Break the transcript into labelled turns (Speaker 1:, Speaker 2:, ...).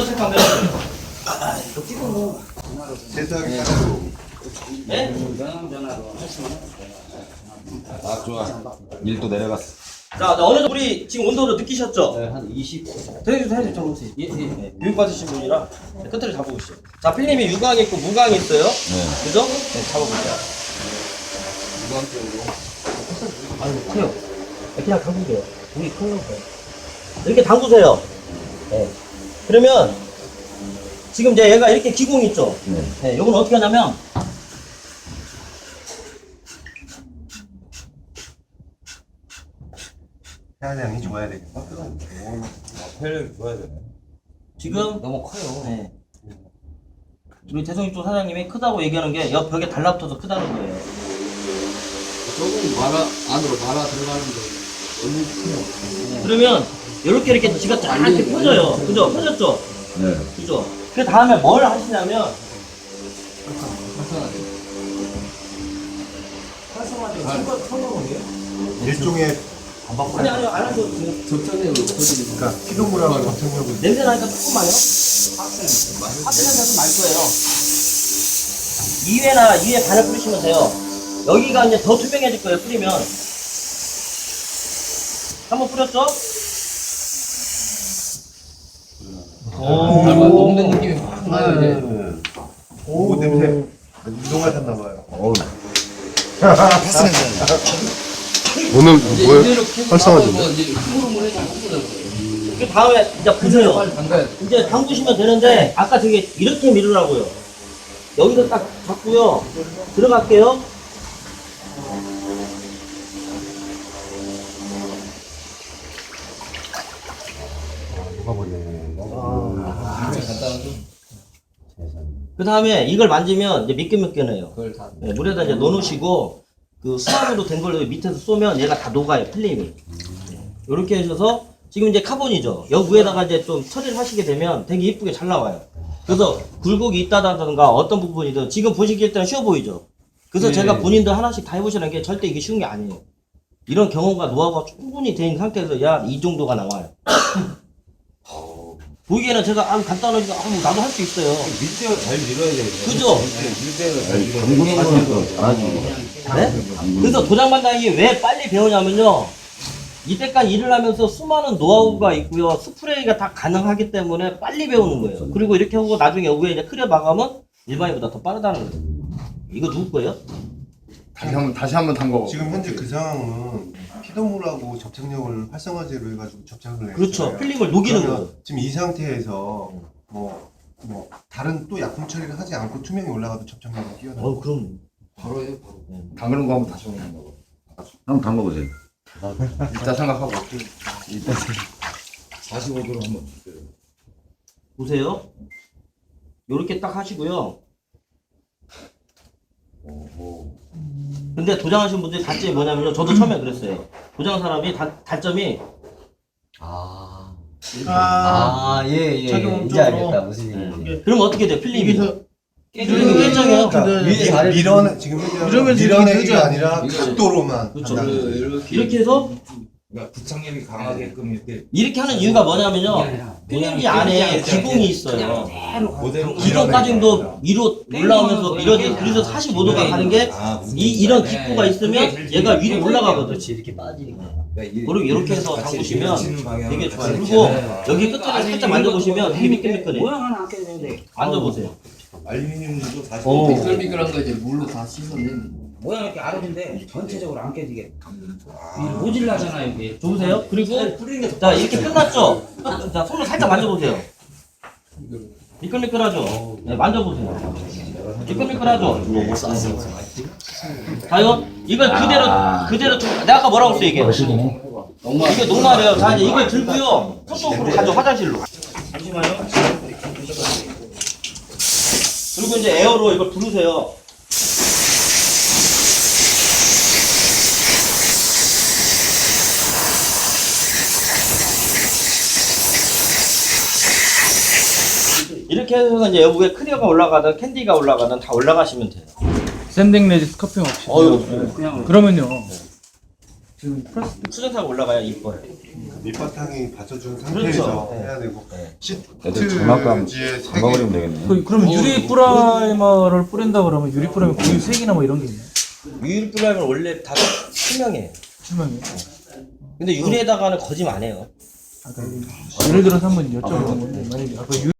Speaker 1: 온도 체크하면 돼요.
Speaker 2: 세상에 하나로.
Speaker 1: 네?
Speaker 3: 아 좋아. 1도 내려갔어.
Speaker 1: 자, 어느 정도 우리 지금 온도를 느끼셨죠?
Speaker 4: 네, 한 20.
Speaker 1: 대리도 잡으세요. 예. 교육 받으신 분이라 끝을 잡아보시죠. 자, 필름이 유광이 있고 무광이 있어요.
Speaker 3: 네.
Speaker 1: 그죠? 네, 잡아보세요. 아유, 커요. 그냥 담그세요. 물이 커요. 이렇게 담그세요. 네. 그러면 지금 이제 얘가 이렇게 기공이 있죠? 네. 요건 어떻게 하냐면
Speaker 2: 태양이 좋아야 되겠다.
Speaker 3: 혈력이 좋아야 되네.
Speaker 1: 지금
Speaker 4: 너무 커요.
Speaker 1: 네. 우리 대성이 쪽 사장님이 크다고 얘기하는 게 옆 벽에 달라붙어서 크다는 거예요.
Speaker 4: 조금 안으로 말아 들어가는데 너무 커요.
Speaker 1: 그러면 이렇게 지가 쫙 이렇게 펴져요. 그죠? 펴졌죠?
Speaker 3: 네.
Speaker 1: 그죠? 그 다음에 뭘 하시냐면
Speaker 2: 일종의
Speaker 1: 아니 안 하셔도 돼요.
Speaker 4: 적당량으로 퍼지니까.
Speaker 2: 그러니까 피동물하고 접착력을
Speaker 1: 냄새 나니까 조금만요. 파스는 좀 날 거예요. 2회 반을 뿌리시면 돼요. 여기가 이제 더 투명해질 거예요. 뿌리면 한번 뿌렸죠?
Speaker 4: 닮아 녹는 느낌이 확 나요 이제.
Speaker 2: 오 냄새 운동을 했나봐요.
Speaker 5: 오늘
Speaker 4: 이제
Speaker 5: 뭐예요?
Speaker 4: 이대로 계속
Speaker 5: 활성화된대.
Speaker 4: 나가고 이제 흐름을 해서 한꺼번에.
Speaker 1: 그 다음에 이제 부세요.
Speaker 4: 빨리 담가야 돼.
Speaker 1: 이제 담그시면 되는데 아까 저기 이렇게 밀으라고요. 여기서 딱 잡고요. 들어갈게요.
Speaker 4: 간단하죠?
Speaker 1: 그 다음에 이걸 만지면 이제 미끈미끈해요.
Speaker 4: 그걸 다.
Speaker 1: 네, 물에다 이제 넣어놓으시고 그 수압으로 된 걸 밑에서 쏘면 얘가 다 녹아요. 필름이. 이렇게 하셔서 지금 이제 카본이죠. 여기 위에다가 이제 좀 처리를 하시게 되면 되게 이쁘게 잘 나와요. 그래서 굴곡이 있다든가 어떤 부분이든 지금 보시기에 때는 쉬워 보이죠. 그래서
Speaker 4: 네.
Speaker 1: 제가 본인들 하나씩 다 해보시는 게 절대 이게 쉬운 게 아니에요. 이런 경험과 노하우가 충분히 된 상태에서 야 이 정도가 나와요. 보기에는 제가 간단하니까 나도 할 수 있어요.
Speaker 3: 밀대가 잘 밀어야 되겠네.
Speaker 1: 그죠?
Speaker 3: 밀대가 잘 밀어야
Speaker 5: 담그는 거는 또 잘하지.
Speaker 1: 네? 그래서 도장반장이 왜 빨리 배우냐면요. 이때까지 일을 하면서 수많은 노하우가 있고요. 스프레이가 다 가능하기 때문에 빨리 배우는 거예요. 그리고 이렇게 하고 나중에 위에 이제 크려 마감은 일반인보다 더 빠르다는 거예요. 이거 누구 거예요?
Speaker 5: 다시 한번 담궈.
Speaker 2: 지금 현재 그 상황은 피동물하고 접착력을 활성화제로 해가지고 접착을 했어요.
Speaker 1: 그렇죠. 필름을 녹이는
Speaker 2: 그러면
Speaker 1: 거예요.
Speaker 2: 지금 이 상태에서 뭐 다른 또 약품 처리를 하지 않고 투명이 올라가도 접착력이 뛰어나요.
Speaker 1: 그럼.
Speaker 4: 바로 해요 바로.
Speaker 5: 담그는 거 한번 다시 한번
Speaker 3: 한번 담궈보세요.
Speaker 5: 이따 생각하고.
Speaker 3: 45도로 한번.
Speaker 1: 보세요. 요렇게 딱 하시고요. 근데 도장하신 분들이 단점이 뭐냐면요. 저도 처음에 그랬어요. 도장 사람이 단점이
Speaker 4: 예. 이제 알겠다 무슨 얘기인지.
Speaker 1: 그럼 어떻게 돼요? 필름이 필름이 깨져요.
Speaker 2: 밀어내 지금 밀어내기가 아니라 각도로만
Speaker 1: 그렇죠.
Speaker 2: 한다는
Speaker 1: 이렇게 해서
Speaker 3: 그러니까 부착력이 강하게끔
Speaker 1: 이렇게 하는 이유가 뭐냐면요. 필름이 안에 기공이 있어요.
Speaker 3: 그대로
Speaker 1: 기공까지도 위로 올라오면서 밀어져. 그래서 45도가 가는 게 이런 기포가 있으면 얘가 위로 올라가거든. 이렇게 빠지니까. 그리고 이렇게 해서 담그시면 되게 좋아요. 그리고 여기 끝을 살짝 만져보시면 되게 미끌미끌해요.
Speaker 6: 모양 하나 안 깨도 되는데
Speaker 1: 만져보세요.
Speaker 3: 알루미늄도 45도.
Speaker 4: 미끌미끌한 거 이제 물로 다 씻어내는.
Speaker 6: 모양 이렇게 알아준데 전체적으로 안 깨지게 모질라잖아요 이게.
Speaker 1: 좋으세요? 그리고 자 이렇게 끝났죠? 자 손으로 살짝 만져보세요. 미끌미끌하죠? 네, 만져보세요. 미끌미끌하죠? 자요 이걸 그대로 내가 아까 뭐라고 했어 이게? 이게 녹말이에요. 자 이제 이걸 들고요. 손톱으로 가죠 화장실로. 잠시만요. 그리고 이제 에어로 이걸 부르세요. 이렇게 해서 이제 여기에 크리어가 올라가든 캔디가 올라가든 다 올라가시면 돼요.
Speaker 7: 샌딩 내지 스커핑 없이.
Speaker 1: 이거
Speaker 6: 그냥
Speaker 7: 그러면요. 지금 플러스
Speaker 1: 수정사가 올라가야 이뻐요.
Speaker 2: 밑바탕이 받쳐준
Speaker 1: 그렇죠.
Speaker 2: 상태에서
Speaker 1: 네.
Speaker 2: 해야 되고
Speaker 1: 네.
Speaker 5: 애들 장난감
Speaker 2: 시트지에 세 개.
Speaker 5: 담가버리면 되겠네.
Speaker 7: 그러면 유리 프라이머를 뿌린다 그러면 유리 프라이머 고유 색이나 뭐 이런 게 있나요?
Speaker 1: 유리 프라임은 원래 다 투명해.
Speaker 7: 투명해요?
Speaker 1: 근데 유리에다가는 거짓말 안 해요.
Speaker 7: 예를 들어서 한번 여쭤보는 건데 만약에 아까